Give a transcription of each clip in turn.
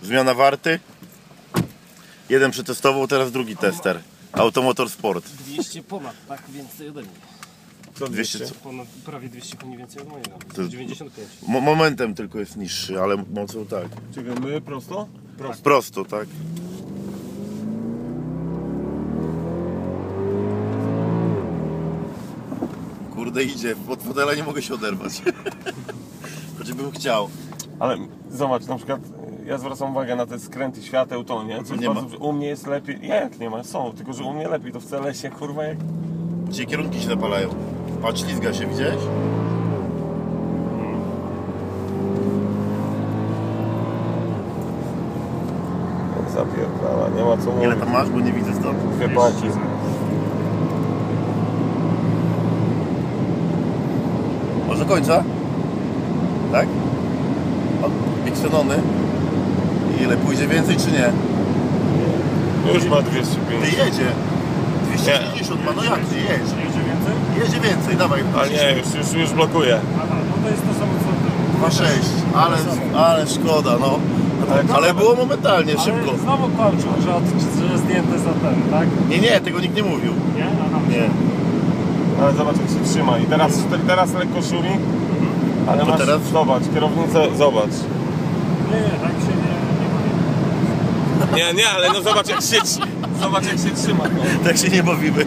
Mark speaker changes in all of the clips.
Speaker 1: Zmiana warty. Jeden przetestował, teraz drugi tester. Automotor Sport.
Speaker 2: 200 ponad, tak? Więcej ode mnie.
Speaker 3: Co 200?
Speaker 2: Ponad, prawie 200 koni więcej od mojego.
Speaker 1: To
Speaker 2: 95.
Speaker 1: Momentem tylko jest niższy, ale mocą tak.
Speaker 3: Czekaj, my prosto? Prosto.
Speaker 1: Prosto, tak. Kurde, idzie. Od fotela nie mogę się oderwać. Choćbym chciał.
Speaker 3: Ale zobacz, na przykład ja zwracam uwagę na te skręty świateł, to nie? Co
Speaker 1: Nie ma.
Speaker 3: u mnie jest lepiej. Jak nie ma? Są, tylko że u mnie lepiej. To w CLS-ie kurwa jak...
Speaker 1: Dzisiaj kierunki się napalają. Patrz, ślizga się, widziałeś?
Speaker 3: Zapierdala, nie ma co mówić.
Speaker 1: Ile tam masz, bo nie widzę stąd.
Speaker 3: Dwie paki.
Speaker 1: Może do końca? Tak? O, Bixenony. I ile, pójdzie więcej czy nie?
Speaker 3: Już ma 250.
Speaker 1: Ty jedzie. 250 ma, no jak nie jedzie?
Speaker 2: Jedzie więcej?
Speaker 1: Jedzie więcej, dawaj.
Speaker 3: Ale nie, już blokuje.
Speaker 2: Aha, no to jest to samo co
Speaker 1: 2,6, ale szkoda, no. Ale było momentalnie, szybko.
Speaker 2: Ale znowu kończył, że zdjęte za ten, tak?
Speaker 1: Nie, tego nikt nie mówił.
Speaker 2: Nie? Aha.
Speaker 1: Nie.
Speaker 3: Ale zobacz jak się trzyma. I teraz lekko szumi. Ale
Speaker 1: To
Speaker 3: masz,
Speaker 1: teraz?
Speaker 3: zobacz, kierownicę, zobacz.
Speaker 2: Nie, tak się nie
Speaker 3: Nie, ale no zobacz jak się trzyma. No.
Speaker 1: Tak się nie bawimy.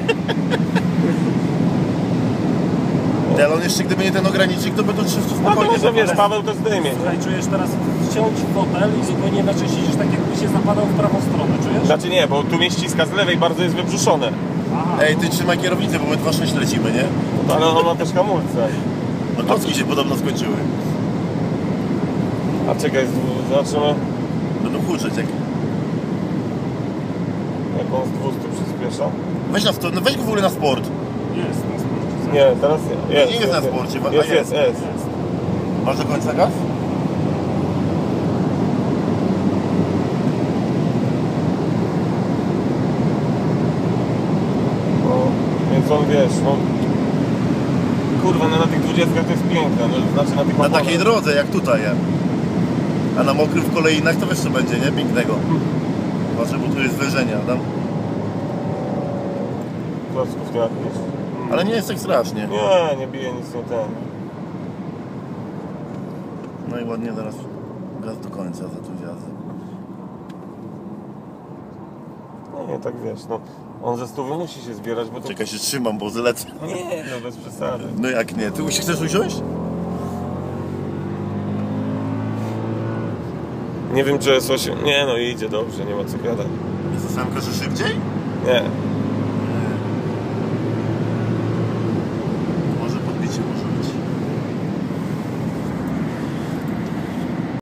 Speaker 1: Ale on jeszcze, gdyby nie ten ogranicznik, to by to 300
Speaker 3: No to
Speaker 1: spokojnie.
Speaker 3: może wiesz, Paweł to zdejmie.
Speaker 2: Słuchaj, czujesz teraz wciąć fotel i zupełnie inaczej siedzisz, tak jakby się zapadał w prawą stronę, czujesz?
Speaker 3: Znaczy nie, bo tu mnie ściska z lewej, bardzo jest wybrzuszone.
Speaker 2: Aha.
Speaker 1: Ej, ty trzymaj kierownicę, bo my 2,6 lecimy, nie?
Speaker 3: No, ale on ma też hamulce.
Speaker 1: No klocki się podobno skończyły.
Speaker 3: A czekaj, zobaczymy
Speaker 1: Będą huczeć jak...
Speaker 3: jak on z 200 przyspiesza.
Speaker 1: Weź weź go w ogóle na sport.
Speaker 2: Jest, na sporcie.
Speaker 3: Nie, teraz jest.
Speaker 1: Nie jest na sporcie, a
Speaker 3: Jest.
Speaker 1: Masz do końca gaz?
Speaker 3: No, więc on wiesz, no... Kurwa, no na tych 20 to jest piękne, no, znaczy na tych
Speaker 1: Na
Speaker 3: oponach.
Speaker 1: takiej drodze jak tutaj, ja. A na mokrym w kolejnach to wiesz co będzie, nie? Pięknego. Patrzę, bo tu jest zwężenie, Adam.
Speaker 3: Klocków nie jakiś?
Speaker 1: Ale nie jest tak strasznie.
Speaker 3: Nie bije nic nie ten.
Speaker 1: No i ładnie teraz gaz do końca za tu jazdę.
Speaker 3: Nie, tak wiesz, no. On ze 100 musi się zbierać, bo to...
Speaker 1: Czekaj, się trzymam, bo zlecę.
Speaker 3: Nie, no bez przesady.
Speaker 1: No jak nie? Ty chcesz usiąść?
Speaker 3: Nie wiem, czy jest 8. Nie, no idzie dobrze, nie ma co gadać.
Speaker 1: Jest ósemka, że szybciej?
Speaker 3: Nie.